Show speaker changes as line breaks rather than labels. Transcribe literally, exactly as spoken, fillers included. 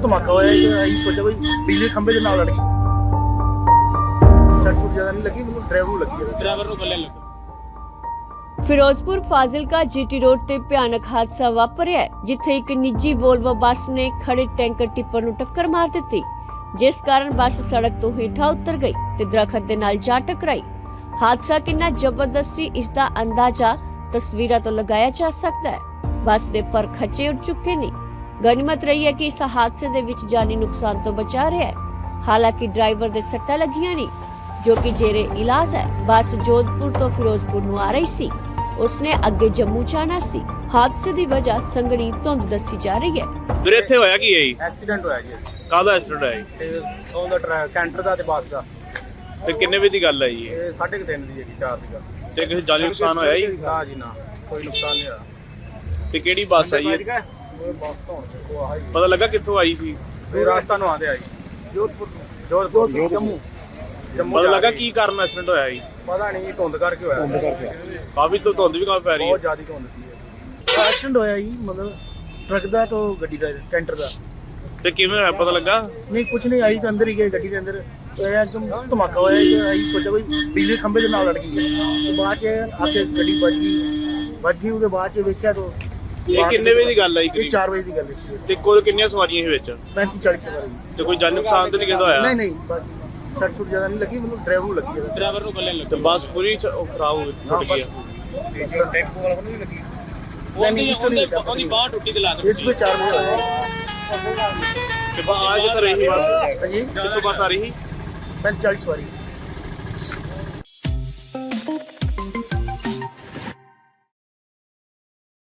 ਧਮਾਕਾ ਹੋਇਆ ਜੀ, ਅਸੀਂ ਸੋਚਿਆ ਕੋਈ ਬਿਜਲੀ ਖੰਭੇ ਦੇ ਨਾਲ ਲੜ ਗਈ। ਸੱਟ ਸੁੱਟ ਜ਼ਿਆਦਾ ਨਹੀਂ ਲੱਗੀ, ਮੈਨੂੰ ਡਰਾਈਵਰ ਨੂੰ ਲੱਗੀ ਹੈ।
ਡਰਾਈਵਰ ਨੂੰ ਗੱਲੇ ਲੱਗਾ।
ਫਿਰੋਜ਼ਪੁਰ ਫਾਜ਼ਿਲਕਾ ਜੀਟੀ ਰੋਡ ਤੇ ਭਿਆਨਕ ਹਾਦਸਾ ਵਾਪਰਿਆ ਹੈ, ਜਿੱਥੇ ਇੱਕ ਨਿੱਜੀ ਵੋਲਵੋ ਬੱਸ ਨੇ ਖੜੇ ਟੈਂਕਰ ਟਿੱਪਰ ਨੂੰ ਟੱਕਰ ਮਾਰ ਦਿੱਤੀ, ਜਿਸ ਕਾਰਨ ਬੱਸ ਸੜਕ ਤੋਂ ਹੇਠਾਂ ਉਤਰ ਗਈ ਤੇ ਦਰਖਤ ਦੇ ਨਾਲ ਜਾ ਟਕਰਾਈ। ਹਾਦਸਾ ਕਿੰਨਾ ਜ਼ਬਰਦਸਤ ਸੀ, ਇਸ ਦਾ ਅੰਦਾਜ਼ਾ ਤਸਵੀਰਾਂ ਤੋਂ ਲਗਾਇਆ ਜਾ ਸਕਦਾ ਹੈ। ਬੱਸ ਦੇ ਪਰ ਖੱਚੇ ਉੱਡ ਚੁੱਕੇ ਨੇ। ਗਨੀਮਤ ਰਹੀ ਹੈ ਕਿ ਇਸ ਹਾਦਸੇ ਦੇ ਵਿੱਚ ਜਾਨੀ ਨੁਕਸਾਨ ਤੋਂ ਬਚਾ ਰਿਹਾ ਹੈ। ਹਾਲਾਂਕਿ ਡਰਾਈਵਰ ਦੇ ਸੱਟਾਂ ਲੱਗੀਆਂ ਨੇ, ਜੋ ਕਿ ਜੇਰੇ ਇਲਾਜ ਹੈ। ਬੱਸ ਜੋਧਪੁਰ ਤੋਂ ਫਿਰੋਜ਼ਪੁਰ ਨੂੰ ਆ ਰਹੀ ਸੀ, ਉਸਨੇ ਅੱਗੇ ਜੰਮੂ ਜਾਣਾ ਸੀ। ਹਾਦਸੇ ਦੀ ਵਜ੍ਹਾ ਸੰਘਣੀ ਧੁੰਦ ਦੱਸੀ ਜਾ ਰਹੀ ਹੈ।
ਵੀਰੇ ਇੱਥੇ ਹੋਇਆ ਕੀ ਹੈ ਜੀ?
ਐਕਸੀਡੈਂਟ ਹੋਇਆ ਜੀ,
ਕਾਹਦਾ ਐਕਸੀਡੈਂਟ ਹੋਇਆ ਜੀ?
ਤੇ ਉਹਦਾ ਟਰੈਕ ਕੈਂਟਰ ਦਾ ਤੇ ਬੱਸ ਦਾ।
ਤੇ ਕਿੰਨੇ ਵਜੇ ਦੀ ਗੱਲ ਹੈ ਜੀ ਇਹ?
ਇਹ ਸਾਢੇ ਕੁ ਤਿੰਨ ਦੀ ਹੈ ਜੀ, ਚਾਰ ਦੀ ਗੱਲ।
ਤੇ ਕਿਸੇ ਜਾਨੀ ਨੁਕਸਾਨ ਹੋਇਆ ਜੀ?
ਨਾ ਜੀ ਨਾ, ਕੋਈ ਨੁਕਸਾਨ ਨਹੀਂ ਹੋਇਆ।
ਤੇ ਕਿਹੜੀ ਬੱਸ ਹੈ ਜੀ?
ਉਹ ਬੱਸ ਤੋਂ ਦੇਖੋ ਆਹ ਜੀ,
ਪਤਾ ਲੱਗਾ ਕਿੱਥੋਂ ਆਈ ਸੀ?
ਇਹ ਰਾਸਤਾ ਨੂੰ ਆਉਂਦੇ ਆ ਜੀ, ਜੋਧਪੁਰ ਤੋਂ। ਜੋਧਪੁਰ ਜੰਮੂ ਜੰਮੂ
ਪਤਾ
ਜਾ
ਲੱਗਾ
ਰਹੀ।
ਕੀ ਕਾਰਨ ਐਕਸੀਡੈਂਟ ਹੋਇਆ ਜੀ?
ਪਤਾ ਨਹੀਂ, ਧੁੰਦ ਕਰਕੇ ਹੋਇਆ। ਧੁੰਦ ਕਰਕੇ
ਕਾਫੀ ਤੋਂ ਧੁੰਦ ਵੀ ਕਾਫੀ ਪੈ ਰਹੀ
ਬਹੁਤ
ਹੈ।
ਜ਼ਿਆਦਾ ਧੁੰਦ ਸੀ। ਐਕਸੀਡੈਂਟ ਹੋਇਆ ਜੀ, ਮਤਲਬ ਟਰੱਕ ਦਾ ਤੋਂ ਗੱਡੀ ਦਾ, ਕੈਂਟਰ ਦਾ।
ਤੇ ਕਿਵੇਂ ਹੋਇਆ ਪਤਾ ਲੱਗਾ?
ਨਹੀਂ ਕੁਝ ਨਹੀਂ, ਆਈ ਤਾਂ ਅੰਦਰ ਹੀ ਗਏ ਗੱਡੀ ਦੇ ਅੰਦਰ। ਇਹ ਇੱਕਦਮ ਧਮਾਕਾ ਹੋਇਆ ਜੀ, ਅਸੀਂ ਸੋਚਿਆ ਕੋਈ ਬਿਜਲੀ ਖੰਭੇ ਦੇ ਨਾਲ ਲੜ ਗਈ ਹੈ। ਤੇ ਬਾਅਦ ਚ ਆ ਕੇ ਗੱਡੀ ਵੱਜ ਗਈ ਵੱਜ ਗਈ ਉਹਦੇ ਬਾਅਦ ਚ ਵੇਖਿਆ ਤਾਂ
ਇਹ ਕਿੰਨੇ ਵਜੇ ਦੀ ਗੱਲ ਹੈ
ਇਹ
ਜੀ?
ਚਾਰ ਵਜੇ ਦੀ ਗੱਲ ਸੀ।
ਤੇ ਕੋਲ ਕਿੰਨੀਆਂ ਸਵਾਰੀਆਂ ਸੀ ਵਿੱਚ?
ਪੈਂਤੀ ਚਾਲੀ ਸਵਾਰੀ।
ਤੇ ਕੋਈ ਜਾਨੀ ਨੁਕਸਾਨ ਤਾਂ ਨਹੀਂ ਕਿਸੇ ਦਾ ਹੋਇਆ?
ਨਹੀਂ ਨਹੀਂ, ਬਾਕੀ ਸੱਟ ਸੁੱਟ ਜ਼ਿਆਦਾ ਨਹੀਂ ਲੱਗੀ, ਮੈਨੂੰ ਡਰਾਈਵਰ ਨੂੰ ਲੱਗੀ ਹੈ।
ਡਰਾਈਵਰ ਨੂੰ ਗੱਲੇ
ਤੇ
ਲੱਗਾ।
ਬੱਸ ਪੂਰੀ ਚ- ਉਹ ਖਰਾਬ ਹੋ ਗਈ,
ਹਾਂ
ਟੁੱਟ
ਬਸ
ਗਈ।
ਇਹ ਜਿਹੜਾ ਟੈਂਪੂ ਵਾਲਾ ਉਹਨੂੰ ਵੀ ਲੱਗੀ।
ਉਹਦੀ ਉਹਦੀ ਉਹਦੀ ਬਾਹ ਟੁੱਟੀ ਤੇ ਲੱਗ
ਇਸ ਵਿੱਚ ਚਾਰ ਵਜੇ ਹੋਇਆ
ਤੇ ਬੱਸ ਆ ਕਿੱਥੇ ਰਹੀ ਸੀ ਬੱਸ?
ਹਾਂਜੀ,
ਕਿੱਥੋਂ ਬੱਸ ਆ ਰਹੀ ਸੀ?
ਪੈਂਤੀ ਚਾਲੀ ਸਵਾਰੀ।